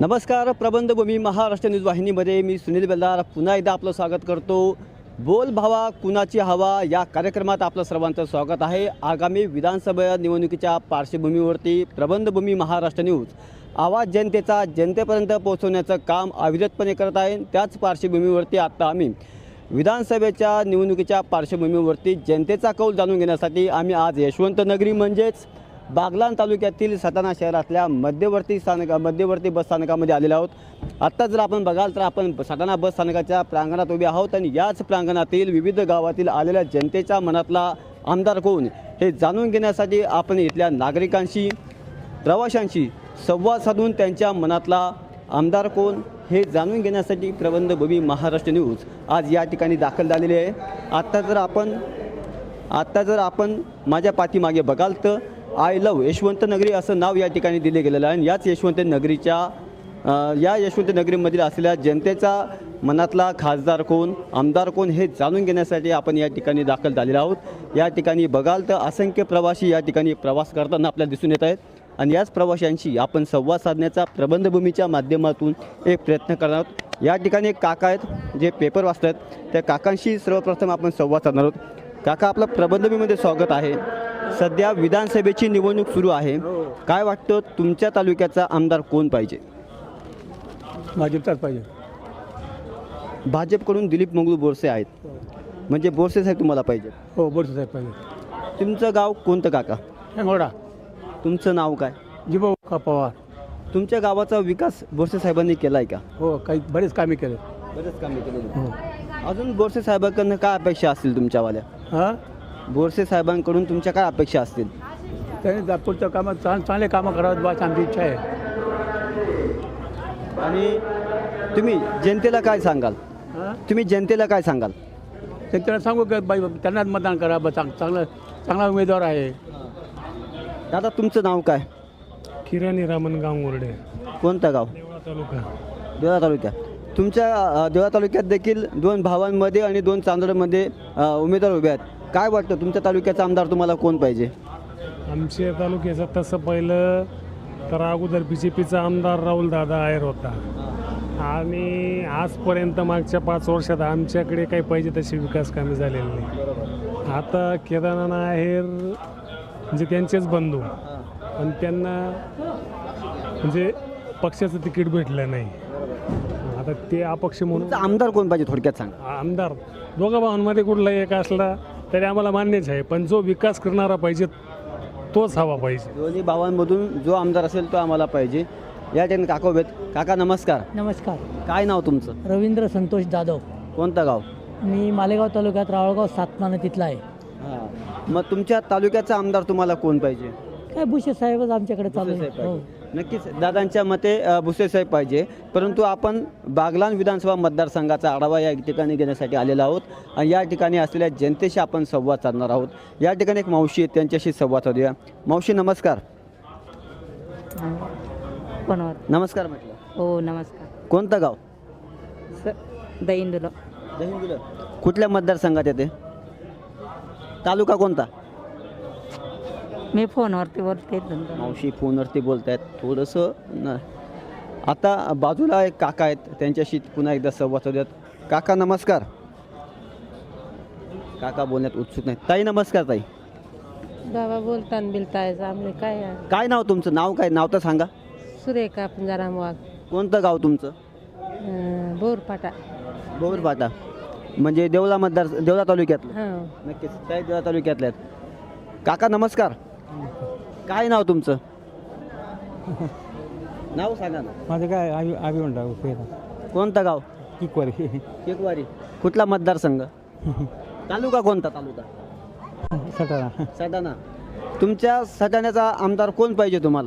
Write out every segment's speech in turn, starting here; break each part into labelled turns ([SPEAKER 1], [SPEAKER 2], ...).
[SPEAKER 1] नमस्कार. प्रबंधभूमी महाराष्ट्र न्यूज वाहिनीमध्ये मी सुनील बेल्दार पुन्हा एकदा आपलं स्वागत करतो. बोल भावा कुणाची हवा या कार्यक्रमात आपलं सर्वांचं स्वागत आहे. आगामी विधानसभा निवडणुकीच्या पार्श्वभूमीवरती प्रबंधभूमी महाराष्ट्र न्यूज आवाज जनतेचा जनतेपर्यंत पोहोचवण्याचं काम अविरतपणे करत आहे. त्याच पार्श्वभूमीवरती आता आम्ही विधानसभेच्या निवडणुकीच्या पार्श्वभूमीवरती जनतेचा कौल जाणून घेण्यासाठी आम्ही आज यशवंत नगरी म्हणजेच बागलाण तालुक्यातील सटाणा शहरातल्या मध्यवर्ती बस स्थानकामध्ये आलेलो आहोत. आत्ता जर आपण बघाल तर आपण सटाणा बस स्थानकाच्या प्रांगणात उभे आहोत आणि याच प्रांगणातील विविध गावातील आलेल्या जनतेच्या मनातला आमदार कोण हे जाणून घेण्यासाठी आपण इथल्या नागरिकांशी प्रवाशांशी संवाद साधून त्यांच्या मनातला आमदार कोण हे जाणून घेण्यासाठी प्रबंधभूमी महाराष्ट्र न्यूज आज या ठिकाणी दाखल झालेली आहे. आत्ता जर आपण माझ्या पाठीमागे बघाल तर आय लव्ह यशवंत नगरी असं नाव या ठिकाणी दिले गेलेलं आहे. आणि याच यशवंत नगरीमधील असलेल्या जनतेचा मनातला खासदार कोण आमदार कोण हे जाणून घेण्यासाठी आपण या ठिकाणी दाखल झालेलो आहोत. या ठिकाणी बघाल तर असंख्य प्रवासी या ठिकाणी प्रवास करताना आपल्याला दिसून येत आहेत आणि याच प्रवाशांशी आपण संवाद साधण्याचा प्रबंधभूमीच्या माध्यमातून एक प्रयत्न करणार आहोत. या ठिकाणी एक काका आहेत जे पेपर वाचत आहेत. त्या काकांशी सर्वप्रथम आपण संवाद साधणार आहोत. काका, आपलं प्रबंधभूमीमध्ये स्वागत आहे. सध्या विधानसभेची निवडणूक सुरू आहे. काय वाटतं तुमच्या तालुक्याचा आमदार कोण पाहिजे?
[SPEAKER 2] भाजपचाच पाहिजे.
[SPEAKER 1] भाजपकडून दिलीप मंगळू बोरसे आहेत, म्हणजे बोरसे साहेब तुम्हाला पाहिजे?
[SPEAKER 2] हो, बोरसे साहेब पाहिजे.
[SPEAKER 1] तुमचं गाव कोणतं काका?
[SPEAKER 2] हेंगोडा.
[SPEAKER 1] तुमचं नाव काय?
[SPEAKER 2] जिभाऊ का पवार.
[SPEAKER 1] तुमच्या गावाचा विकास बोरसे साहेबांनी केला आहे का?
[SPEAKER 2] हो, काही बरेच कामे केले.
[SPEAKER 1] बरेच कामे केलेली.
[SPEAKER 2] हो.
[SPEAKER 1] अजून बोरसे साहेबांकडून काय अपेक्षा असतील तुमच्यावाल्या?
[SPEAKER 2] हां,
[SPEAKER 1] बोरसे साहेबांकडून तुमच्या काय अपेक्षा असतील?
[SPEAKER 2] त्यांनी पुढच्या कामात चांगले कामं करावं बस आमची इच्छा आहे.
[SPEAKER 1] आणि तुम्ही जनतेला काय सांगाल?
[SPEAKER 2] त्यांना सांगू की बाई त्यांनाच मतदान करा. बस चांगला उमेदवार आहे.
[SPEAKER 1] दादा, तुमचं नाव काय?
[SPEAKER 3] किराणी रामन गांगुर्डे.
[SPEAKER 1] कोणतं गाव?
[SPEAKER 3] देवळा तालुका.
[SPEAKER 1] देवळा तालुक्यात. तुमच्या देवळा तालुक्यात देखील 2 भावांमध्ये आणि 2 चांदोडमध्ये उमेदवार उभे आहेत. काय वाटतं तुमच्या तालुक्याचा आमदार तुम्हाला कोण पाहिजे?
[SPEAKER 3] आमच्या तालुक्याचं तसं पहिलं तर अगोदर BJPचा आमदार राहुल दादा आयर होता आणि आजपर्यंत मागच्या 5 वर्षात आमच्याकडे काही पाहिजे तशी विकास कामे झालेली नाही. आता केदारनाथ आहेर म्हणजे त्यांचेच बंधू, पण त्यांना म्हणजे पक्षाचं तिकीट भेटलं नाही. आता ते अपक्ष म्हणून
[SPEAKER 1] तुमचा आमदार कोण पाहिजे थोडक्यात सांगा.
[SPEAKER 3] आमदार दोघा भावांमध्ये कुठलाही एक असला तरी आम्हाला मान्यच आहे, पण जो विकास करणारा पाहिजे तोच हवा पाहिजे.
[SPEAKER 1] दोन्ही भावांमधून जो आमदार असेल तो आम्हाला पाहिजे. या ठिकाणी काका उभे आहेत. काका नमस्कार.
[SPEAKER 4] नमस्कार.
[SPEAKER 1] काय नाव तुमचं?
[SPEAKER 4] रवींद्र संतोष जाधव.
[SPEAKER 1] कोणतं गाव?
[SPEAKER 4] मी मालेगाव तालुक्यात रावळगाव सातमाना तिथला आहे.
[SPEAKER 1] हां, मग तुमच्या तालुक्याचा आमदार तुम्हाला कोण पाहिजे?
[SPEAKER 4] काय भुसे साहेबच आमच्याकडे चालू
[SPEAKER 1] भुसे साहेब
[SPEAKER 4] आहे. हो.
[SPEAKER 1] पाहिजे. नक्कीच दादांच्या मते भुसे साहेब पाहिजे. परंतु आपण बागलाण विधानसभा मतदारसंघाचा आढावा या ठिकाणी घेण्यासाठी आलेलो आहोत आणि या ठिकाणी असलेल्या जनतेशी आपण संवाद साधणार आहोत. या ठिकाणी एक मावशी आहेत, त्यांच्याशी संवाद साधूया. मावशी नमस्कार.
[SPEAKER 5] कोणावर?
[SPEAKER 1] नमस्कार म्हटलं.
[SPEAKER 5] हो, नमस्कार.
[SPEAKER 1] कोणतं गाव?
[SPEAKER 5] दहींदुला.
[SPEAKER 1] दहिंदुला. कुठल्या मतदारसंघात येते? तालुका कोणता?
[SPEAKER 5] मी फोनवरती बोलते.
[SPEAKER 1] मावशी फोनवरती बोलत आहेत थोडंसं आता बाजूला एक काका आहेत, त्यांच्याशी पुन्हा एकदा संवाद साधूयात. काका नमस्कार. काका बोलण्यात उत्सुक नाही. ताई नमस्कार. ताई,
[SPEAKER 6] बाबा बोलताना बिलतायचं आम्ही काय
[SPEAKER 1] काय नाव तुमचं? नाव काय? नाव तर सांगा.
[SPEAKER 6] सुरेखा पंजाराम वाघ.
[SPEAKER 1] कोणतं गाव तुमचं?
[SPEAKER 6] बोरपाटा.
[SPEAKER 1] बोरपाटा म्हणजे देवळा तालुक्यातलं?
[SPEAKER 6] हां.
[SPEAKER 1] नक्कीच त्या देवळा तालुक्यातल्या आहेत. काका नमस्कार. काय नाव तुमचं? नाव सांगा ना.
[SPEAKER 2] माझं काय आवी म्हणता.
[SPEAKER 1] कोणतं गाव?
[SPEAKER 2] इक्वारी.
[SPEAKER 1] केकवारी. कुठला मतदारसंघ? तालुका कोणता? तालुका
[SPEAKER 2] सटाणा.
[SPEAKER 1] सटाणा. तुमच्या सटाण्याचा आमदार कोण पाहिजे तुम्हाला?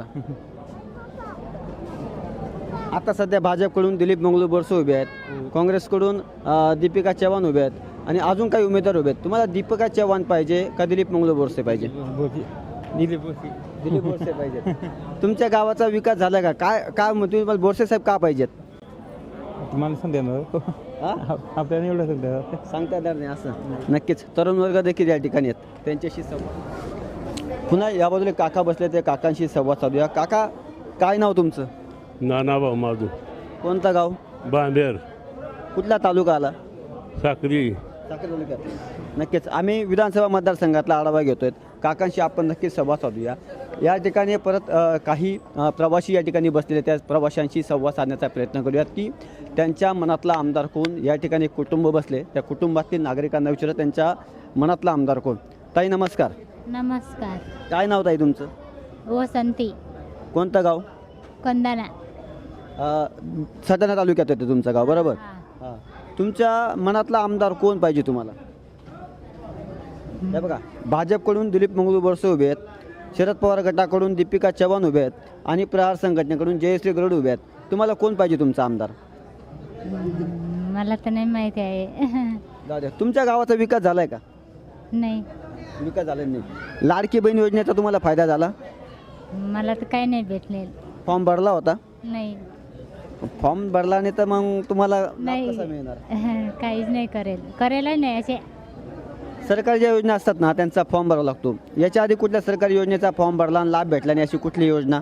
[SPEAKER 1] आता सध्या भाजपकडून दिलीप मंगळू बोरसे उभे आहेत, काँग्रेसकडून दीपिका चव्हाण उभे आहेत आणि अजून काही उमेदवार उभे आहेत. तुम्हाला दीपिका चव्हाण पाहिजे का दिलीप मंगळू बोरसे पाहिजे? दिलीप बोरसे पाहिजे. तुमच्या गावाचा विकास झाला का? काय तुम्हाला बोरसे साहेब का पाहिजेत?
[SPEAKER 2] तुम्हाला सांगता आपल्याला एवढं
[SPEAKER 1] सांगता येणार नाही असं. नक्कीच तरुण वर्ग देखील या ठिकाणी आहेत, त्यांच्याशी संवाद. पुन्हा या बाजूला काका बसले, ते काकांशी संवाद साधूया. काका, काय नाव तुमचं?
[SPEAKER 2] नानाभाऊ माधू
[SPEAKER 1] कोणता गाव?
[SPEAKER 2] बांबेर
[SPEAKER 1] कुठला तालुका आला?
[SPEAKER 2] साक्री.
[SPEAKER 1] साखर तालुक्यात. नक्कीच आम्ही विधानसभा मतदारसंघातला आढावा घेतोय. काकांशी आपण नक्कीच संवाद साधूया. या ठिकाणी परत काही प्रवासी या ठिकाणी बसलेले, त्या प्रवाशांशी संवाद साधण्याचा प्रयत्न करूयात की त्यांच्या मनातला आमदार कोण. या ठिकाणी कुटुंब बसले, त्या कुटुंबातील नागरिकांना विचारत त्यांच्या मनातला आमदार कोण. ताई नमस्कार.
[SPEAKER 7] नमस्कार.
[SPEAKER 1] काय नाव ताई तुमचं?
[SPEAKER 7] वसंती
[SPEAKER 1] कोणतं गाव?
[SPEAKER 7] कंदाना.
[SPEAKER 1] सटाणा तालुक्यात येतं तुमचं गाव, बरोबर?
[SPEAKER 7] हा.
[SPEAKER 1] हां. तुमच्या मनातला आमदार कोण पाहिजे तुम्हाला? हे बघा, भाजपकडून दिलीप मंगळू बोरसे उभे आहेत, शरद पवार गटाकडून दीपिका चव्हाण उभे आहेत आणि प्रहार संघटनेकडून जयश्री गरुड उभे आहेत. तुम्हाला कोण पाहिजे तुमचा आमदार?
[SPEAKER 7] मला तर नाही माहिती आहे.
[SPEAKER 1] जाऊ द्या. तुमच्या गावाचा विकास झाला आहे का?
[SPEAKER 7] नाही,
[SPEAKER 1] विकास झाला नाही. लाडकी बहीण योजनेचा तुम्हाला फायदा झाला?
[SPEAKER 7] मला तर काही नाही भेटले.
[SPEAKER 1] फॉर्म भरला होता?
[SPEAKER 7] नाही
[SPEAKER 1] फॉर्म भरला नाही तर मग तुम्हाला लाभ
[SPEAKER 7] नाही.
[SPEAKER 1] कसा मिळणार?
[SPEAKER 7] काहीच नाही करेल नाही असे.
[SPEAKER 1] सरकारी ज्या योजना असतात ना त्यांचा फॉर्म भरावा लागतो. याच्या आधी कुठल्या सरकारी योजनेचा फॉर्म भरला आणि लाभ भेटला नाही अशी कुठली योजना?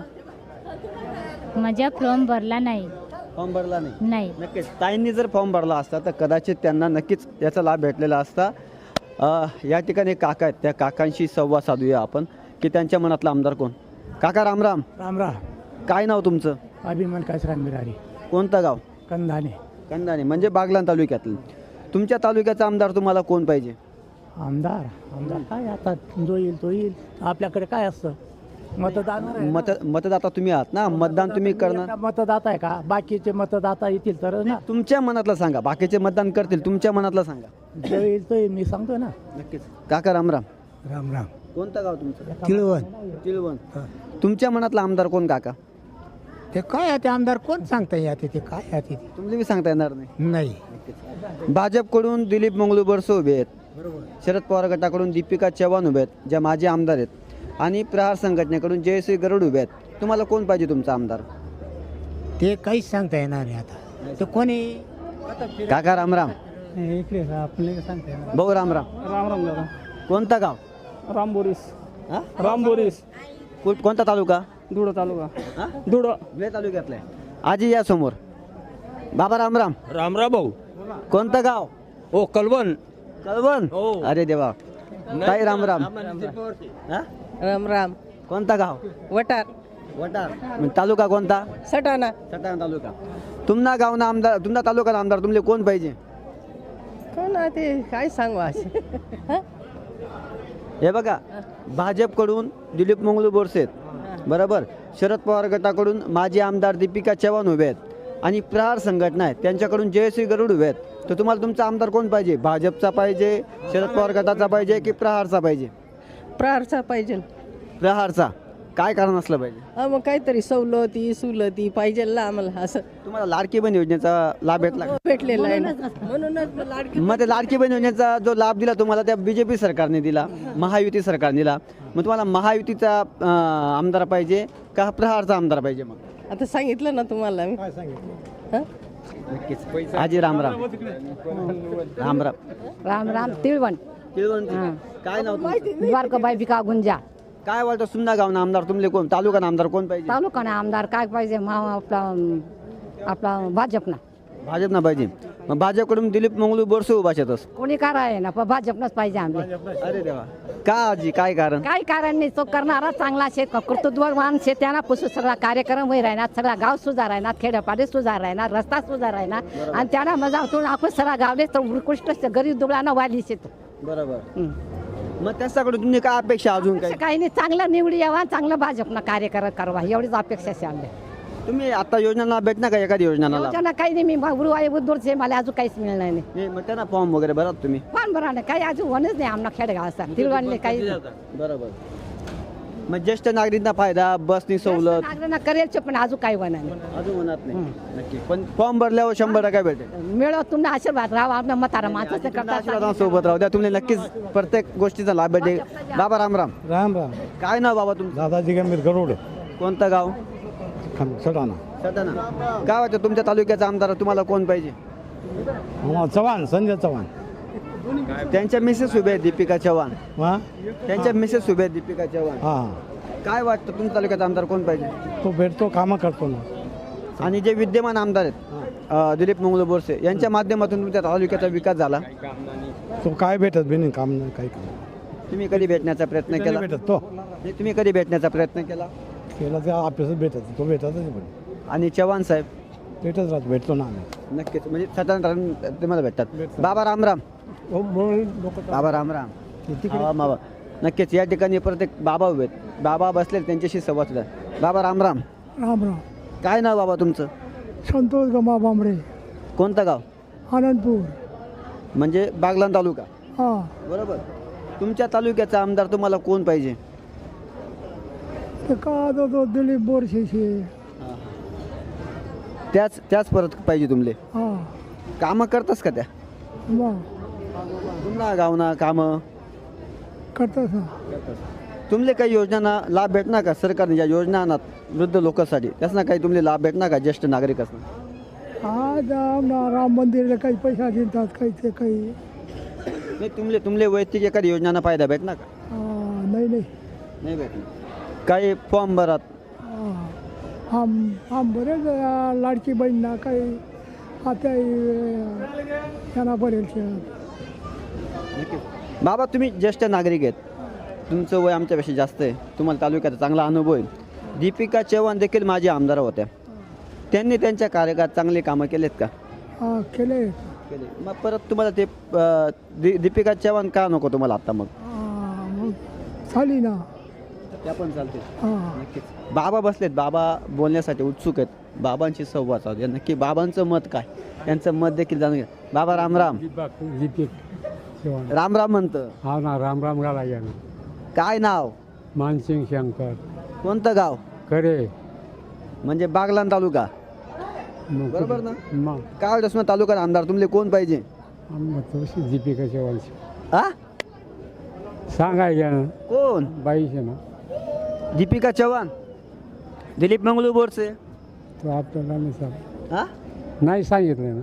[SPEAKER 7] माझा फॉर्म भरला नाही.
[SPEAKER 1] फॉर्म भरला नाही.
[SPEAKER 7] नाही.
[SPEAKER 1] नक्कीच ताईंनी जर फॉर्म भरला असता तर कदाचित त्यांना नक्कीच याचा लाभ भेटलेला असता. या ठिकाणी काका आहेत, त्या काकांशी संवाद साधूया आपण की त्यांच्या मनातला आमदार कोण. काका राम राम.
[SPEAKER 2] राम राम.
[SPEAKER 1] काय नाव तुमचं?
[SPEAKER 2] अभिमान कासरान बिरारी.
[SPEAKER 1] कोणतं गाव?
[SPEAKER 2] कंधाने.
[SPEAKER 1] कंदाने म्हणजे बागलाण तालुक्यातलं. तुमच्या तालुक्याचा आमदार तुम्हाला कोण पाहिजे?
[SPEAKER 2] आमदार काय आता जो येईल तो येईल. आपल्याकडे काय असतं मतदान.
[SPEAKER 1] मतदाता तुम्ही आहात ना, मतदान तुम्ही करणार.
[SPEAKER 2] मतदाता आहे का? बाकीचे मतदाता येतील तर ना.
[SPEAKER 1] तुमच्या मनातलं सांगा. बाकीचे मतदान करतील, तुमच्या मनातलं सांगा.
[SPEAKER 2] जो येईल तो येईल, मी सांगतो ना.
[SPEAKER 1] नक्कीच. काका राम राम.
[SPEAKER 2] राम राम.
[SPEAKER 1] कोणतं गाव तुमचं?
[SPEAKER 2] तिळवण.
[SPEAKER 1] तिळवण. तुमच्या मनातला आमदार कोण काका?
[SPEAKER 2] ते काय आहे ते आमदार कोण सांगता येते ते काय आहे ते
[SPEAKER 1] तुम्हाला बी सांगता येणार नाही.
[SPEAKER 2] नाही.
[SPEAKER 1] भाजपकडून दिलीप मंगळू बोरसे उभे आहेत, शरद पवार गटाकडून दीपिका चव्हाण उभे आहेत, ज्या माजी आमदार आहेत, आणि प्रहार संघटनेकडून जयश्री गरुड उभे आहेत. तुम्हाला कोण पाहिजे तुमचा आमदार?
[SPEAKER 2] ते काहीच सांगता येणार आहे आता. ते कोणी
[SPEAKER 1] काका राम राम.
[SPEAKER 2] इकडे आपल्याला सांगता येणार.
[SPEAKER 1] भाऊ राम राम.
[SPEAKER 2] राम राम दादा.
[SPEAKER 1] कोणता गाव?
[SPEAKER 2] रामबोरीस.
[SPEAKER 1] हा?
[SPEAKER 2] रामबोरीस.
[SPEAKER 1] कोणता तालुका?
[SPEAKER 2] धुळं तालुका.
[SPEAKER 1] हा?
[SPEAKER 2] धुळं.
[SPEAKER 1] धुळे तालुक्यातला आहे. आजी या समोर. बाबा राम राम.
[SPEAKER 2] रामराव भाऊ.
[SPEAKER 1] कोणतं गाव?
[SPEAKER 2] हो कलवण.
[SPEAKER 1] कळवण.
[SPEAKER 2] हो.
[SPEAKER 1] अरे देवा. ताई राम राम. हा?
[SPEAKER 6] राम राम.
[SPEAKER 1] कोणता गाव?
[SPEAKER 6] वटार.
[SPEAKER 1] वटार. तालुका कोणता?
[SPEAKER 6] सटाणा.
[SPEAKER 1] सटाणा तालुका. तुमना गावना आमदार, तुमना तालुका आमदार तुमले कोण पाहिजे?
[SPEAKER 6] कोण आहे ते काय सांगू असे.
[SPEAKER 1] हे बघा, भाजपकडून दिलीप मंगळू बोरसे आहेत, बरोबर. शरद पवार गटाकडून माजी आमदार दीपिका चव्हाण उभे आहेत आणि प्रहार संघटना आहे त्यांच्याकडून जयश्री गरुड उभे आहेत. तर तुम्हाला तुमचा आमदार कोण पाहिजे? भाजपचा पाहिजे, शरद पवार गटाचा पाहिजे की प्रहारचा पाहिजे?
[SPEAKER 6] प्रहारचा पाहिजे.
[SPEAKER 1] प्रहारचा. काय कारण असलं पाहिजे?
[SPEAKER 6] मग काहीतरी सुलती पाहिजे ना आम्हाला. असं
[SPEAKER 1] तुम्हाला लाडकी बहीण योजनेचा लाभ भेटला का?
[SPEAKER 6] भेटलेलं आहे ना. म्हणूनच मग लाडकी.
[SPEAKER 1] मग ते लाडकी बहीण योजनेचा जो लाभ दिला तुम्हाला त्या बीजेपी सरकारने दिला, महायुती सरकारने दिला. मग तुम्हाला महायुतीचा आमदार पाहिजे का प्रहारचा आमदार पाहिजे? मग
[SPEAKER 6] आता सांगितलं ना तुम्हाला मी. हं?
[SPEAKER 1] नक्कीच. आजी राम राम. राम राम.
[SPEAKER 4] राम राम. तिळवण.
[SPEAKER 1] काय नाव तुमचं?
[SPEAKER 4] द्वारकाबाई बिका गुंजा.
[SPEAKER 1] काय वाटतं सुमना गावना आमदार तुमले कोण, तालुका आमदार कोण पाहिजे?
[SPEAKER 4] तालुकाना आमदार काय पाहिजे? आपला भाजपना.
[SPEAKER 1] भाजपना पाहिजे. मग भाजपकडून दिलीप मंगळू बोरसे उभा शेतस.
[SPEAKER 4] कोणी कार आहे ना, पण भाजपनंच पाहिजे आम्ही.
[SPEAKER 1] अरे देवा. का आजी, काय कारण?
[SPEAKER 4] काही कारण नाही. तो करणारा चांगला शेत, कर्तृत्ववान शेत्याना पुसू सगळा कार्यक्रम होई राहणार, सगळा गाव सुधार राहणार, खेड्यापाडे सुधार राहणार, रस्ता सुधार राहणार आणि त्यांना मजा होतो. आपण सगळा गावले तर उत्कृष्ट गरीब दुबळांना वाढली शेत.
[SPEAKER 1] बरोबर. मग त्याच्याकडून तुम्ही काय अपेक्षा अजून काय?
[SPEAKER 4] काही नाही. चांगला निवडी यावा, चांगलं भाजपना कार्यक्रम करवा, एवढीच अपेक्षा आहे आमच्या.
[SPEAKER 1] तुम्ही आता योजनाला भेटना का एखादी योजनाला?
[SPEAKER 4] योजना काही नाही. मी उद्दूरचे मला अजून काहीच मिळणार नाही.
[SPEAKER 1] नाही, मग त्यांना फॉर्म वगैरे भरा तुम्ही.
[SPEAKER 4] पण बरं नाही, काही अजून होणच नाही आमना खेडगाव असा तिळवणले काही.
[SPEAKER 1] बरोबर. मग ज्येष्ठ नागरिकांना फायदा, बसनी सवलत
[SPEAKER 4] नागरिकांना करेल पण अजून काही होणार नाही.
[SPEAKER 1] अजून होणार नाही. नक्की. पण फॉर्म भरल्यावर 100% भेटेल.
[SPEAKER 4] मिळव तुम्ही आशीर्वाद राहा. आपल्या म्हातारा माणसाचं करता
[SPEAKER 1] सोबत राहू द्या. तुम्हाला नक्कीच प्रत्येक गोष्टीचा लाभ भेटेल. बाबा राम राम.
[SPEAKER 2] राम राम.
[SPEAKER 1] काय नाव बाबा तुमचं?
[SPEAKER 2] दादाजी गंभीर गरुड.
[SPEAKER 1] कोणतं गाव?
[SPEAKER 2] सटाणा.
[SPEAKER 1] सटाणा. काय वाटतं तुमच्या तालुक्याचा आमदार तुम्हाला कोण पाहिजे?
[SPEAKER 2] चव्हाण. संजय चव्हाण.
[SPEAKER 1] त्यांच्या मिसेस उभे आहेत दीपिका चव्हाण.
[SPEAKER 2] हा
[SPEAKER 1] त्यांच्या मिसेस उभे आहेत दीपिका चव्हाण.
[SPEAKER 2] हा.
[SPEAKER 1] काय वाटतं तुमच्या तालुक्याचा आमदार कोण पाहिजे?
[SPEAKER 2] तो भेटतो, कामं करतो ना.
[SPEAKER 1] आणि जे विद्यमान आमदार आहेत दिलीप मंगळ बोरसे यांच्या माध्यमातून तुमच्या तालुक्याचा विकास झाला.
[SPEAKER 8] तो काय भेटत बी नाही काम नाही काही काम
[SPEAKER 1] तुम्ही कधी भेटण्याचा प्रयत्न केला?
[SPEAKER 8] भेटत तो
[SPEAKER 1] नाही, तुम्ही कधी भेटण्याचा प्रयत्न केला?
[SPEAKER 8] केला ते ऑफिसच भेटत तो भेटतच नाही पण
[SPEAKER 1] आणि चव्हाण साहेब
[SPEAKER 8] भेटत राहतो भेटतो ना आम्ही
[SPEAKER 1] नक्कीच म्हणजे साधारण तुम्हाला भेटतात. बाबा रामराम.
[SPEAKER 8] म्हणून लोक
[SPEAKER 1] बाबा रामराम. हा, बाबा नक्कीच या ठिकाणी प्रत्येक बाबा उभे आहेत. बाबा बसले त्यांच्याशी संवाद साधा. बाबा रामराम.
[SPEAKER 2] राम राम.
[SPEAKER 1] काय नाव बाबा तुमचं?
[SPEAKER 2] संतोष गमा बांबरे,
[SPEAKER 1] कोणतं गाव?
[SPEAKER 2] आनंदपूर.
[SPEAKER 1] म्हणजे बागलाण तालुका.
[SPEAKER 2] हा,
[SPEAKER 1] बरोबर. तुमच्या तालुक्याचा आमदार तुम्हाला कोण पाहिजे?
[SPEAKER 2] ते का तो दिलीप बोरशेशी.
[SPEAKER 1] त्याच परत पाहिजे तुमले.
[SPEAKER 2] हा,
[SPEAKER 1] कामं करतास का त्या?
[SPEAKER 2] मग
[SPEAKER 1] पुन्हा गावना कामं
[SPEAKER 2] करतास ना.
[SPEAKER 1] तुमले काही योजनांना लाभ भेटणार का? सरकारने ज्या योजना आणत वृद्ध लोकांसाठी त्यासना काही तुमले लाभ भेटणार का ज्येष्ठ नागरिक असणार?
[SPEAKER 2] आज राम मंदिरला काही पैसा देतात, काही ते काही.
[SPEAKER 1] नाही तुमले वैयक्तिक एखादी योजनांना फायदा भेटणार का?
[SPEAKER 2] नाही नाही.
[SPEAKER 1] नाही भेटणार. काही फॉर्म भरात
[SPEAKER 2] आम बरेच लाडकी बहीणना काही आता त्यांना बरेच.
[SPEAKER 1] नक्कीच. बाबा तुम्ही ज्येष्ठ नागरिक आहेत, तुमचं वय आमच्यापेक्षा जास्त आहे, तुम्हाला तालुक्याचा चांगला अनुभव आहे. दीपिका चव्हाण देखील माझ्या आमदार होत्या. त्यांनी त्यांच्या कार्यकाळात चांगले कामं केलेत का?
[SPEAKER 2] केले.
[SPEAKER 1] केले. मग परत तुम्हाला ते दीपिका चव्हाण का नको तुम्हाला आता? मग
[SPEAKER 2] मग झाली ना.
[SPEAKER 1] त्या पण चालते.
[SPEAKER 2] हां,
[SPEAKER 1] नक्कीच. बाबा बसलेत, बाबा बोलण्यासाठी उत्सुक आहेत. बाबांची संवाद साधूया. नक्की बाबांचं मत काय, त्यांचं मत देखील जाणून घ्या. बाबा रामराम. रामराम म्हणतं.
[SPEAKER 3] हा ना, राम राम गाला या ना.
[SPEAKER 1] काय नाव?
[SPEAKER 3] मानसिंग शंकर
[SPEAKER 1] कोणतं गाव?
[SPEAKER 3] करे
[SPEAKER 1] म्हणजे बागलाण तालुका. बरोबर ना? काय वाटतं तालुका आमदार तुमले कोण पाहिजे?
[SPEAKER 3] दीपिका चव्हाण
[SPEAKER 1] आ
[SPEAKER 3] सांगायच्या ना,
[SPEAKER 1] कोण?
[SPEAKER 3] बाईचे ना,
[SPEAKER 1] दीपिका चव्हाण, दिलीप मंगळू बोरसे.
[SPEAKER 3] तो आपल्याला
[SPEAKER 1] हा
[SPEAKER 3] नाही सांगितलं ना.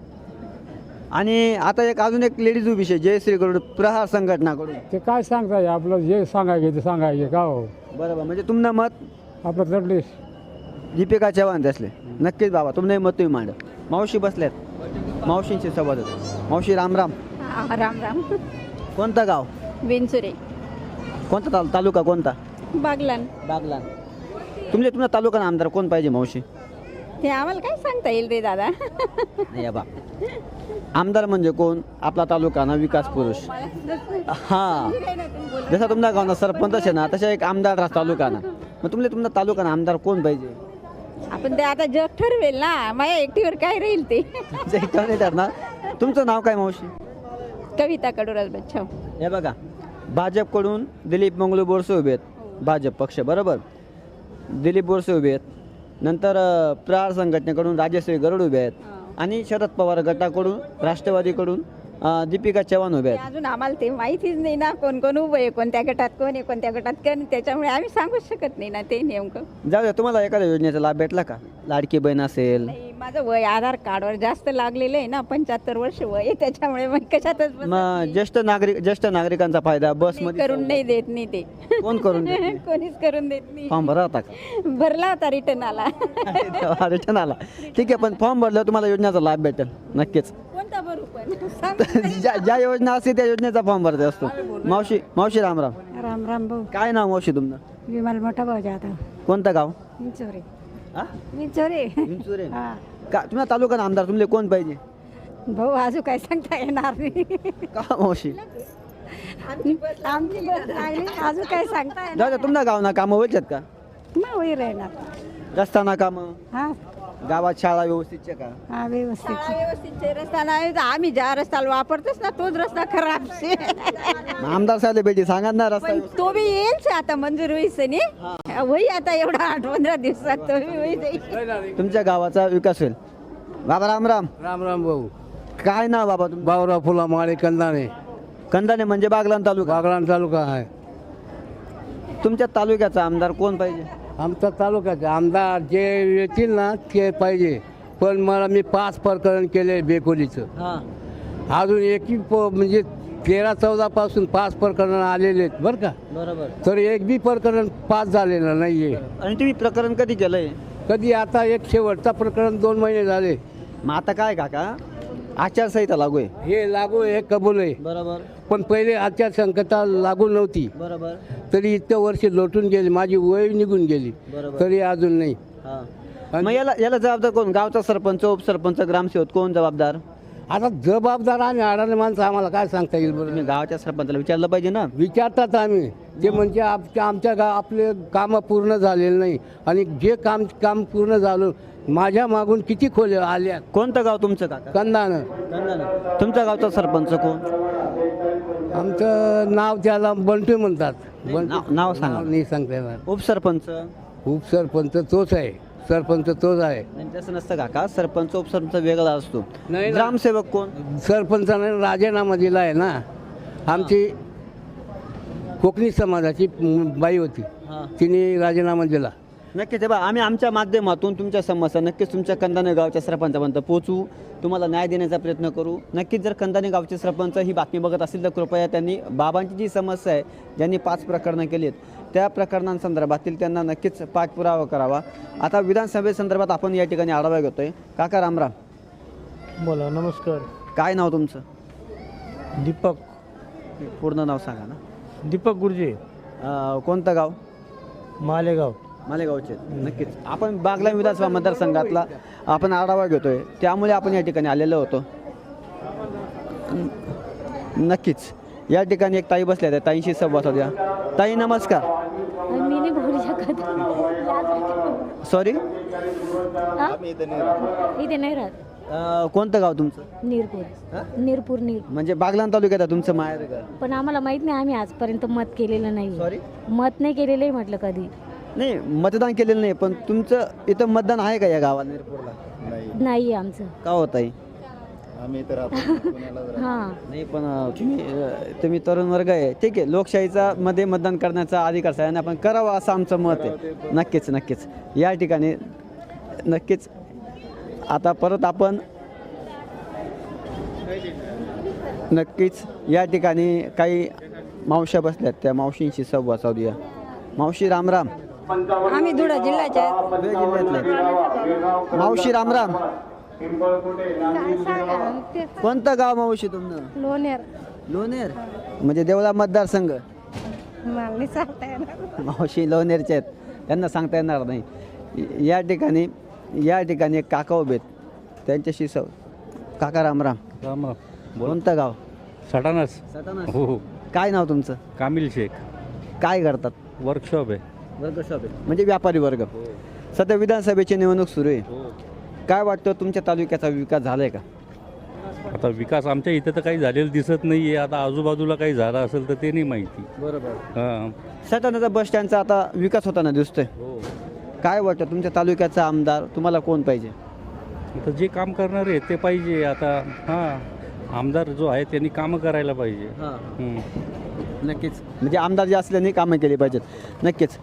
[SPEAKER 1] आणि आता अजून एक लेडीज उभी आहे जयश्रीकडून, प्रहार संघटनाकडून.
[SPEAKER 3] ते काय सांगताय, आपलं जे सांगायचे ते सांगायचे का हो.
[SPEAKER 1] बरोबर. म्हणजे तुमनं मत
[SPEAKER 3] आपलं चढलेस
[SPEAKER 1] दीपिका चव्हाण त्यासले. नक्कीच बाबा तुमने मत तुम्ही मांड. मावशी बसल्यात, मावशींशी संवाद होतो. मावशी रामराम.
[SPEAKER 4] राम राम.
[SPEAKER 1] कोणतं गाव?
[SPEAKER 4] विंचुरे.
[SPEAKER 1] कोणता तालुका कोणता?
[SPEAKER 4] बागलान.
[SPEAKER 1] बागलाण. तुमच्या तालुका आमदार कोण पाहिजे मावशी?
[SPEAKER 4] ते आम्हाला काय सांगता येईल रे दादा.
[SPEAKER 1] नाही बा, आमदार म्हणजे कोण? आपला तालुका ना विकास पुरुष. हा, जसा तुमच्या गावना सरपंच आहे ना, तसा एक आमदार राहतो तालुका ना. मग तुमच्या तालुका आमदार कोण पाहिजे?
[SPEAKER 4] आपण ते आता जग ठरवेल ना, माझ्या एकटीवर काय राहील ते.
[SPEAKER 1] नाही ठरणार. तुमचं नाव काय मावशी?
[SPEAKER 4] कविता कडुराज बच्चाव.
[SPEAKER 1] हे बघा, भाजपकडून दिलीप मंगळू बोरसे उभे आहेत, भाजप पक्ष. बरोबर. दिलीप बोरसे उभे आहेत. नंतर प्रहार संघटनेकडून राजेश्री गरुड उभे आहेत. आणि शरद पवार गटाकडून, राष्ट्रवादीकडून दीपिका चव्हाण उभे आहेत.
[SPEAKER 4] अजून आम्हाला ते माहितीच नाही ना, कोण कोण उभं आहे, कोणत्या गटात कोण आहे, कोणत्या गटात कोण. त्याच्यामुळे आम्ही सांगूच शकत नाही ना ते नेमकं.
[SPEAKER 1] जाऊ द्या. तुम्हाला एखाद्या योजनेचा लाभ भेटला का? लाडकी बहीण असेल?
[SPEAKER 4] नाही, माझं वय आधार कार्डवर जास्त लागलेलं आहे ना, 75 वर्ष वय आहे. त्याच्यामुळे मग कशातच बसत
[SPEAKER 1] मग
[SPEAKER 4] नाही.
[SPEAKER 1] ज्येष्ठ नागरिकांचा फायदा बसमध्ये
[SPEAKER 4] करून नाही देत नाही ते.
[SPEAKER 1] कोण करून देत नाही?
[SPEAKER 4] कोणीच करून देत नाही.
[SPEAKER 1] फॉर्म भरा होता का?
[SPEAKER 4] भरला होता, रिटर्न आला.
[SPEAKER 1] रिटर्न आला. ठीक आहे, पण फॉर्म भरल्यावर तुम्हाला योजनेचा लाभ भेटेल नक्कीच.
[SPEAKER 4] कोणता भरू पण सांग.
[SPEAKER 1] ज्या योजना असते त्या योजनेचा फॉर्म भरते असतो. मावशी रामराम.
[SPEAKER 4] राम राम भाऊ.
[SPEAKER 1] काय नाव मावशी तुमचं?
[SPEAKER 4] विमल मोठा भाऊ जाधव.
[SPEAKER 1] कोणतं गाव?
[SPEAKER 4] विंचोरे.
[SPEAKER 1] हा?
[SPEAKER 4] विंचोरे.
[SPEAKER 1] विंचुरे. का तुम्हाला तालुका आमदार तुमले कोण पाहिजे?
[SPEAKER 4] भाऊ अजून काय सांगता येणार नाही.
[SPEAKER 1] का मावशी?
[SPEAKER 4] आमची बस लागली, अजून काय सांगता येणार
[SPEAKER 1] जाऊ द्या. तुमच्या गावना कामं व्हायच्यात का?
[SPEAKER 4] मग होई राहणार.
[SPEAKER 1] रस्ताना कामं,
[SPEAKER 4] हा
[SPEAKER 1] गावात शाळा व्यवस्थित का?
[SPEAKER 4] हा व्यवस्थित रस्ता नाही. आम्ही ज्या रस्त्याला वापरतोच ना तोच रस्ता खराब शे.
[SPEAKER 1] आमदार साहेब भेटी सांगा ना रस्ता.
[SPEAKER 4] पण तो बी येईल आता मंजूर होईस होई आता एवढा 8-15 दिवसात तो बी होई जाईल.
[SPEAKER 1] तुमच्या गावाचा विकास होईल. बाबा रामराम.
[SPEAKER 8] राम राम भाऊ.
[SPEAKER 1] काय नाव बाबा तुमचं?
[SPEAKER 8] बावरा फुला माळे कंदाने,
[SPEAKER 1] कंदाने म्हणजे बागलाण तालुका.
[SPEAKER 8] बागलाण तालुका आहे.
[SPEAKER 1] तुमच्या तालुक्याचा आमदार कोण पाहिजे?
[SPEAKER 8] आमचा तालुक्याचे आमदार जे येतील ना ते पाहिजे. पण मी 5 प्रकरण केले बेकोलीचं.
[SPEAKER 1] हा,
[SPEAKER 8] अजून एकही म्हणजे 13-14 पासून 5 प्रकरण आलेले आहेत बरं का.
[SPEAKER 1] बरोबर.
[SPEAKER 8] तर एक बी प्रकरण पास झालेलं नाहीये.
[SPEAKER 1] आणि तुम्ही प्रकरण कधी केलंय?
[SPEAKER 8] कधी आता एक शेवटचा प्रकरण 2 महिने झाले.
[SPEAKER 1] मग आता काय काका आचारसंहिता लागू आहे.
[SPEAKER 8] हे लागू आहे, कबूल आहे.
[SPEAKER 1] बरोबर
[SPEAKER 8] पण पहिले आचारसंहिता लागू नव्हती,
[SPEAKER 1] बरोबर
[SPEAKER 8] तरी इतक्या वर्ष लोटून गेली, माझी वय निघून गेली,
[SPEAKER 1] बरोबर.
[SPEAKER 8] तरी अजून नाही.
[SPEAKER 1] हां मग याला जबाबदार कोण? गावचा सरपंच, उपसरपंच, ग्रामसेवक कोण जबाबदार?
[SPEAKER 8] आता जबाबदार आणि अडाणी माणसं आम्हाला काय सांगता येईल
[SPEAKER 1] तुम्ही
[SPEAKER 8] बरं?
[SPEAKER 1] गावाच्या सरपंचाला विचारलं पाहिजे ना.
[SPEAKER 8] विचारतात आम्ही, ते म्हणजे आमच्या आपले कामं पूर्ण झालेले नाही, आणि जे काम पूर्ण झालं माझ्या मागून किती खोले आल्या.
[SPEAKER 1] कोणतं गाव तुमचं काका?
[SPEAKER 8] कंदानं.
[SPEAKER 1] कंदाने. तुमच्या गावचा सरपंच कोण?
[SPEAKER 8] आमचं नाव त्याला बंटू म्हणतात.
[SPEAKER 1] नाव सांगा.
[SPEAKER 8] नाही सांगता येणार.
[SPEAKER 1] उपसरपंच?
[SPEAKER 8] उपसरपंच तोच आहे, सरपंच तोच आहे.
[SPEAKER 1] नाही तसं नसतं काका, सरपंच उपसरपंच वेगळा असतो.
[SPEAKER 8] नाही ना.
[SPEAKER 1] ग्रामसेवक कोण?
[SPEAKER 8] सरपंचाने राजीनामा दिला आहे ना. आमची कोकणी समाजाची बाई होती,
[SPEAKER 1] हां
[SPEAKER 8] तिने राजीनामा दिला.
[SPEAKER 1] नक्कीच हे बा आम्ही आमच्या माध्यमातून तुमच्या समस्या नक्कीच तुमच्या कंदाने गावच्या सरपंचापर्यंत पोहोचू, तुम्हाला न्याय देण्याचा प्रयत्न करू. नक्कीच जर कंदाने गावचे सरपंच ही बातमी बघत असतील तर कृपया त्यांनी बाबांची जी समस्या आहे, ज्यांनी 5 प्रकरणं केली आहेत त्या प्रकरणांसंदर्भातील त्यांना नक्कीच पाठपुरावा करावा. आता विधानसभेसंदर्भात आपण या ठिकाणी आढावा घेतोय. काका रामराम.
[SPEAKER 2] बोला. नमस्कार.
[SPEAKER 1] काय नाव तुमचं?
[SPEAKER 2] दीपक
[SPEAKER 1] पूर्ण नाव सांगा ना.
[SPEAKER 2] दीपक गुरुजी,
[SPEAKER 1] कोणतं गाव?
[SPEAKER 2] मालेगाव.
[SPEAKER 1] मालेगावचे. नक्कीच आपण बागला विधानसभा मतदारसंघातला आपण आढावा घेतोय, त्यामुळे आपण या ठिकाणी आलेलो होतो. नक्कीच या ठिकाणी एक ताई बसल्या, त्या ताईंशी संवाद होत्या. ताई नमस्कार.
[SPEAKER 7] मी नाही बोलू शकत.
[SPEAKER 1] सॉरी.
[SPEAKER 7] इथे नाही राहत.
[SPEAKER 1] कोणतं गाव तुमचं?
[SPEAKER 7] नीरपूर.
[SPEAKER 1] म्हणजे बागलाण तालुक्यात आहे तुमचं माहेर का?
[SPEAKER 7] पण आम्हाला माहित नाही, आम्ही आजपर्यंत मत केलेलं नाही.
[SPEAKER 1] सॉरी.
[SPEAKER 7] मत नाही केलेलं आहे म्हटलं कधी.
[SPEAKER 1] नाही मतदान केलेलं नाही, पण तुमचं इथं मतदान आहे का या गावात निरपूरला?
[SPEAKER 7] नाही आमचं.
[SPEAKER 1] का होत आहे?
[SPEAKER 7] हां.
[SPEAKER 1] नाही पण तुम्ही तरुण वर्ग आहे, ठीक आहे. लोकशाहीचा मध्ये मतदान करण्याचा अधिकार सगळ्यांना आपण करावं असं आमचं मत आहे. नक्कीच नक्कीच या ठिकाणी नक्कीच आता परत आपण नक्कीच या ठिकाणी काही मावश्या बसल्यात, त्या मावशींशी संवाद साधूया. मावशी रामराम.
[SPEAKER 6] आम्ही धुळा जिल्ह्याचे आहेत.
[SPEAKER 1] धुळे जिल्ह्यातले. मावशी रामराम. कोणतं गाव मावशी तुमचं?
[SPEAKER 6] लोणेर.
[SPEAKER 1] लोणेर म्हणजे देवळा मतदारसंघ.
[SPEAKER 6] मला नाही सांगता येणार.
[SPEAKER 1] मावशी लोणेरचे आहेत, त्यांना सांगता येणार नाही. या ठिकाणी एक काका उभे आहेत, त्यांच्याशी काका रामराम.
[SPEAKER 9] राम राम.
[SPEAKER 1] कोणतं गाव?
[SPEAKER 9] सटाणास.
[SPEAKER 1] सटाणा.
[SPEAKER 9] हो हो.
[SPEAKER 1] काय नाव तुमचं?
[SPEAKER 9] कामिल शेख.
[SPEAKER 1] काय करतात?
[SPEAKER 9] वर्कशॉप आहे.
[SPEAKER 1] वर्गशॉप आहे म्हणजे व्यापारी वर्ग. सध्या विधानसभेची निवडणूक सुरू आहे, काय वाटतं तुमच्या तालुक्याचा विकास झालाय का?
[SPEAKER 9] आता विकास आमच्या इथं तर काही झालेलं दिसत नाही आहे. आता आजूबाजूला काही झालं असेल तर ते नाही माहिती.
[SPEAKER 1] बरोबर.
[SPEAKER 9] हां.
[SPEAKER 1] सटाणाचा बस स्टँडचा आता विकास होताना दिसतोय,
[SPEAKER 9] हो.
[SPEAKER 1] काय वाटतं तुमच्या तालुक्याचा आमदार तुम्हाला कोण पाहिजे?
[SPEAKER 9] आता जे काम करणारे आहेत ते पाहिजे. आता हां, आमदार जो आहे त्यांनी कामं करायला पाहिजे. हं.
[SPEAKER 1] नक्कीच म्हणजे आमदार जे असल्याने कामं केली पाहिजेत. नक्कीच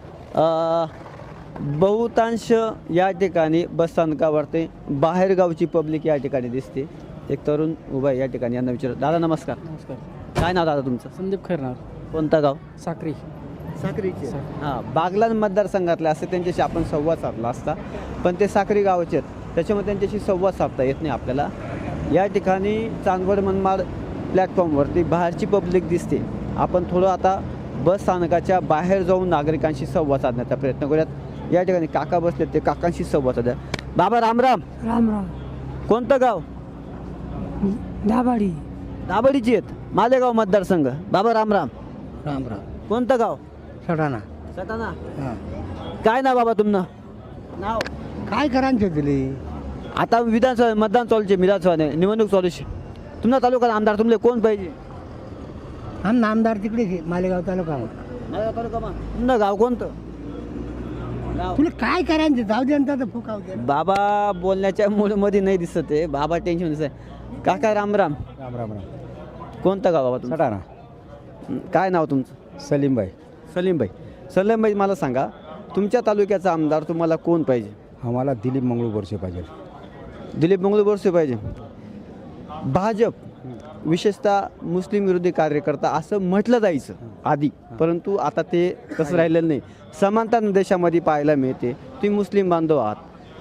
[SPEAKER 1] बहुतांश या ठिकाणी बसस्थानकावरती बाहेरगावची पब्लिक या ठिकाणी दिसते. एक तरुण उभा आहे या ठिकाणी, यांना विचार. दादा नमस्कार.
[SPEAKER 2] नमस्कार.
[SPEAKER 1] काय नाव दादा तुमचं?
[SPEAKER 2] संदीप खैरनार.
[SPEAKER 1] कोणतं गाव?
[SPEAKER 2] साक्री.
[SPEAKER 1] साक्रीचे. हां, बागलाण मतदारसंघातले असे त्यांच्याशी आपण संवाद साधला असता, पण ते साक्री गावाचे आहेत, त्याच्यामुळे त्यांच्याशी संवाद साधता येत नाही आपल्याला. या ठिकाणी चांदवड मनमाड प्लॅटफॉर्मवरती बाहेरची पब्लिक दिसते. आपण थोडं आता बस स्थानकाच्या बाहेर जाऊन नागरिकांशी संवाद साधण्याचा प्रयत्न करूयात. या ठिकाणी काका बसलेत, ते काकांशी संवाद साधा. बाबा रामराम.
[SPEAKER 2] राम राम.
[SPEAKER 1] कोणतं गाव?
[SPEAKER 2] दाभाडी.
[SPEAKER 1] दाबडीची आहेत, मालेगाव मतदारसंघ. बाबा रामराम.
[SPEAKER 2] राम राम.
[SPEAKER 1] कोणतं गाव?
[SPEAKER 2] सटाणा.
[SPEAKER 1] सटाणा. काय नाव बाबा तुमनं? नाव
[SPEAKER 2] काय करायचं दिली?
[SPEAKER 1] आता विधानसभा मतदान चालूचे, विधानसभा निवडणूक चालूची. तुमचा तालुका आमदार तुमले कोण पाहिजे?
[SPEAKER 2] आमदार तिकडे मालेगाव तालुका.
[SPEAKER 1] मालेगाव तालुका. तुमचं गाव कोणतं? गाव.
[SPEAKER 2] तुला काय करायचं? जाऊ दे तर फुकाव दे.
[SPEAKER 1] बाबा बोलण्याच्या मूडमध्ये नाही दिसत आहे, बाबा टेन्शन दिसत आहे. काका रामराम.
[SPEAKER 2] राम राम राम.
[SPEAKER 1] कोणतं गाव बाबा तुमचं?
[SPEAKER 2] सटाणा.
[SPEAKER 1] काय नाव तुमचं?
[SPEAKER 2] सलीमबाई.
[SPEAKER 1] सलीमबाई. सलीमबाई मला सांगा, तुमच्या तालुक्याचा आमदार तुम्हाला कोण पाहिजे?
[SPEAKER 2] आम्हाला दिलीप मंगळू बोरसे पाहिजे.
[SPEAKER 1] दिलीप मंगळू बोरसे पाहिजे. भाजप विशेषतः मुस्लिम विरोधी कार्यकर्ता असं म्हटलं जायचं आधी, परंतु आता ते तसं राहिलेलं नाही. समानता देशामध्ये पाहायला मिळते. तुम्ही मुस्लिम बांधव आहात,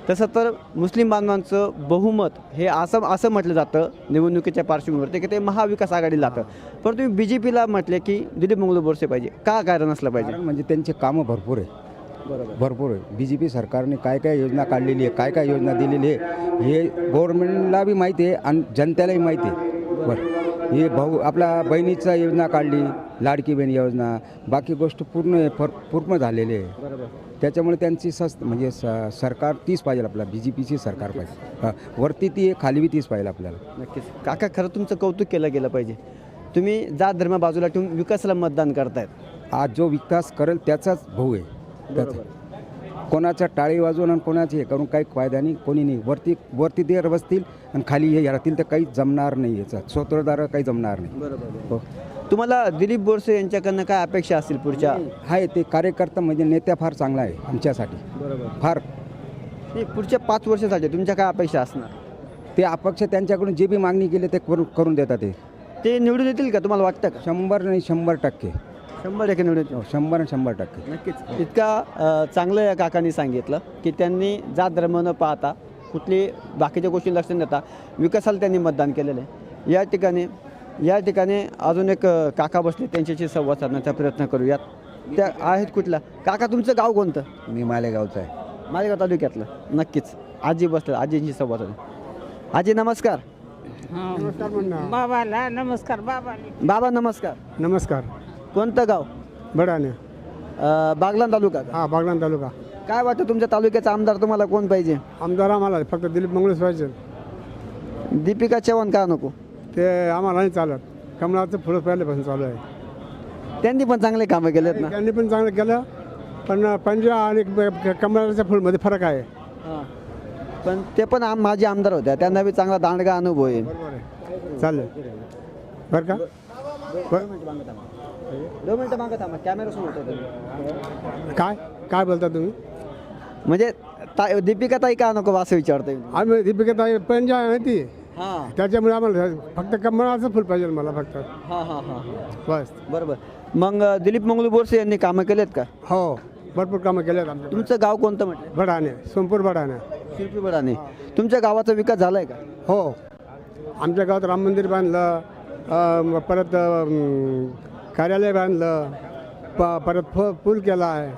[SPEAKER 1] तसं तर मुस्लिम बांधवांचं बहुमत हे असं म्हटलं जातं निवडणुकीच्या पार्श्वभूमीवरती की ते महाविकास आघाडीला जातं. पण तुम्ही BJPला म्हटले की दिलीप मंगळू बोरसे पाहिजे, का कारण असलं पाहिजे?
[SPEAKER 10] कारण म्हणजे त्यांचे कामं भरपूर आहे,
[SPEAKER 1] बरोबर.
[SPEAKER 10] भरपूर आहे. BJP सरकारने काय काय योजना काढलेली आहे, काय काय योजना दिलेली आहे हे गव्हर्नमेंटला बी माहिती आहे आणि जनतेलाही माहिती आहे. बरं, हे आपला बहिणीचा योजना काढली, लाडकी बहीण योजना, बाकी गोष्ट पूर्ण झालेली आहे.
[SPEAKER 1] बरोबर.
[SPEAKER 10] त्याच्यामुळे त्यांची म्हणजे सरकार तीच पाहिजे आपल्याला, BJPची सरकार पाहिजे. वरती ती आहे, खाली बी तीच पाहिजे आपल्याला.
[SPEAKER 1] नक्कीच काका, खरं तुमचं कौतुक केलं गेलं पाहिजे. तुम्ही जात धर्म बाजूला ठेवून विकासाला मतदान करतायत.
[SPEAKER 10] आज जो विकास करेल त्याचाच भाऊ आहे. त्याचा कोणाच्या टाळी वाजवून आणि कोणाची हे करून काही फायदा नाही, कोणी नाही. वरती ते बसतील आणि खाली हे राहतील तर काही जमणार नाही, याचा स्वतंत्रदार काही जमणार नाही.
[SPEAKER 1] बरोबर. तुम्हाला दिलीप बोरसे यांच्याकडनं काय अपेक्षा असतील पुढच्या?
[SPEAKER 10] आहे ते कार्यकर्ता म्हणजे नेत्या फार चांगला आहे आमच्यासाठी.
[SPEAKER 1] बरोबर.
[SPEAKER 10] फार
[SPEAKER 1] नाही, पुढच्या 5 वर्षासाठी तुमच्या काय अपेक्षा असणार?
[SPEAKER 10] ते अपक्ष त्यांच्याकडून जे बी मागणी केली ते करून देतात.
[SPEAKER 1] ते निवडून येतील का तुम्हाला वाटतं का?
[SPEAKER 10] 100 नाही 100%
[SPEAKER 1] 100% निवडून येतील.
[SPEAKER 10] 100%
[SPEAKER 1] नक्कीच. इतका चांगलं या काकांनी सांगितलं की त्यांनी जात धर्म न पाहता कुठली बाकीच्या गोष्टी लक्ष न देता विकासाला त्यांनी मतदान केलेलं आहे. या ठिकाणी अजून एक काका बसले, त्यांच्याशी संवाद साधण्याचा प्रयत्न करूयात. त्या आहेत कुठला? काका तुमचं गाव कोणतं?
[SPEAKER 10] मी मालेगावचा आहे.
[SPEAKER 1] मालेगाव तालुक्यातलं. नक्कीच. आजी बसलं, आजींशी संवाद साधू. आजी नमस्कार.
[SPEAKER 2] बाबाला नमस्कार.
[SPEAKER 1] बाबा नमस्कार.
[SPEAKER 2] नमस्कार.
[SPEAKER 1] कोणतं गाव?
[SPEAKER 2] बडाने.
[SPEAKER 1] बागलाण तालुका का?
[SPEAKER 2] हा, बागलाण तालुका.
[SPEAKER 1] काय वाटतं तुमच्या तालुक्याचा आमदार तुम्हाला कोण पाहिजे?
[SPEAKER 2] आमदार आम्हाला फक्त दिलीप मंगळूच पाहिजे.
[SPEAKER 1] दीपिका चव्हाण का नको?
[SPEAKER 2] ते आम्हाला नाही चालत. कमळाचं फुलं पहिल्यापासून चालू आहे.
[SPEAKER 1] त्यांनी पण चांगले कामं केलेत ना.
[SPEAKER 2] त्यांनी पण चांगलं केलं, पण पंजा आणि कमळाच्या फुलमध्ये फरक आहे.
[SPEAKER 1] पण ते पण माझे आमदार होत्या, त्यांना बी चांगला दांडगा अनुभव आहे.
[SPEAKER 2] बरोबर आहे. चालेल बरं का?
[SPEAKER 1] 2 मिनिटं मागं थांबा, कॅमेरा समोर होता.
[SPEAKER 2] काय बोलता तुम्ही?
[SPEAKER 1] म्हणजे दीपिका ताई का नको असं विचारतोय.
[SPEAKER 2] आम्ही दीपिका ताई पंजा आहे ती,
[SPEAKER 1] हां
[SPEAKER 2] त्याच्यामुळे आम्हाला फक्त कमळाचं फुल पाहिजे मला फक्त.
[SPEAKER 1] हां हां हां
[SPEAKER 2] बस.
[SPEAKER 1] बरोबर. मग दिलीप मंगळू बोरसे यांनी कामं केलेत का?
[SPEAKER 2] हो, भरपूर कामं केले आहेत आमच्या.
[SPEAKER 1] तुमचं गाव कोणतं म्हटलं?
[SPEAKER 2] बडाने, सोमपूर बडाने.
[SPEAKER 1] शिरपी बडाने. तुमच्या गावाचा विकास झालाय का?
[SPEAKER 2] हो, आमच्या गावात राम मंदिर बांधलं, परत कार्यालय बांधलं, परत पूल केला आहे.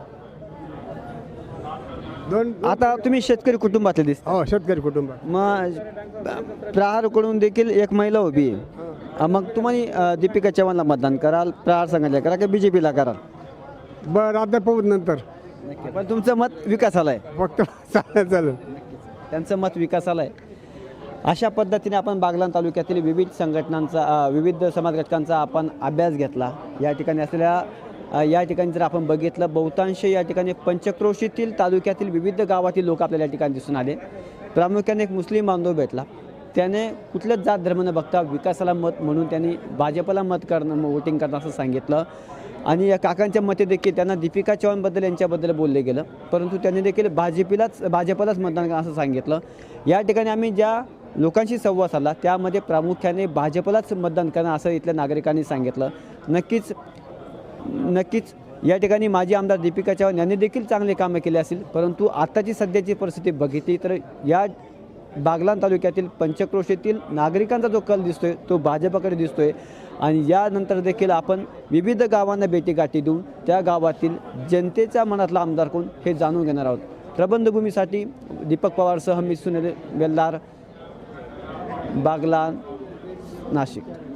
[SPEAKER 2] दोन
[SPEAKER 1] आता तुम्ही शेतकरी कुटुंबातले दिसता.
[SPEAKER 2] हो, शेतकरी कुटुंब.
[SPEAKER 1] मग प्रहारकडून देखील एक महिला उभी आहे. मग तुम्ही दीपिका चव्हाणला मतदान कराल, प्रहार संघाला करा की BJPला कराल?
[SPEAKER 2] बरं, आता पाहू नंतर.
[SPEAKER 1] पण तुमचं मत विकासाला आहे.
[SPEAKER 2] फक्त चालेल.
[SPEAKER 1] त्यांचं मत विकासाला आहे. अशा पद्धतीने आपण बागलाण तालुक्यातील विविध संघटनांचा, विविध समाज घटकांचा आपण अभ्यास घेतला. या ठिकाणी जर आपण बघितलं, बहुतांश या ठिकाणी पंचक्रोशीतील तालुक्यातील विविध गावातील लोक आपल्याला या ठिकाणी दिसून आले. प्रामुख्याने एक मुस्लिम बांधव भेटला. त्याने कुठलंच जात धर्म न बघता विकासाला मत म्हणून त्यांनी भाजपला मत करणं, वोटिंग करणं असं सांगितलं. आणि या काकांच्या मते देखील त्यांना दीपिका चव्हाणबद्दल यांच्याबद्दल बोलले गेलं, परंतु त्यांनी देखील भाजपलाच मतदान करा असं सांगितलं. या ठिकाणी आम्ही ज्या लोकांशी संवाद साधला त्यामध्ये प्रामुख्याने भाजपलाच मतदान करणं असं इथल्या नागरिकांनी सांगितलं. नक्कीच या ठिकाणी माजी आमदार दीपिका चव्हाण यांनी देखील चांगले कामं केले असेल, परंतु आत्ताची सध्याची परिस्थिती बघितली तर या बागलाण तालुक्यातील पंचक्रोशीतील नागरिकांचा जो कल दिसतोय तो भाजपकडे दिसतोय. आणि यानंतर देखील आपण विविध गावांना भेटीगाठी देऊन त्या गावातील जनतेच्या मनातला आमदार कोण हे जाणून घेणार आहोत. प्रबंधभूमीसाठी दीपक पवारसह मी सुनील बेल्दार, बागलाण, नाशिक.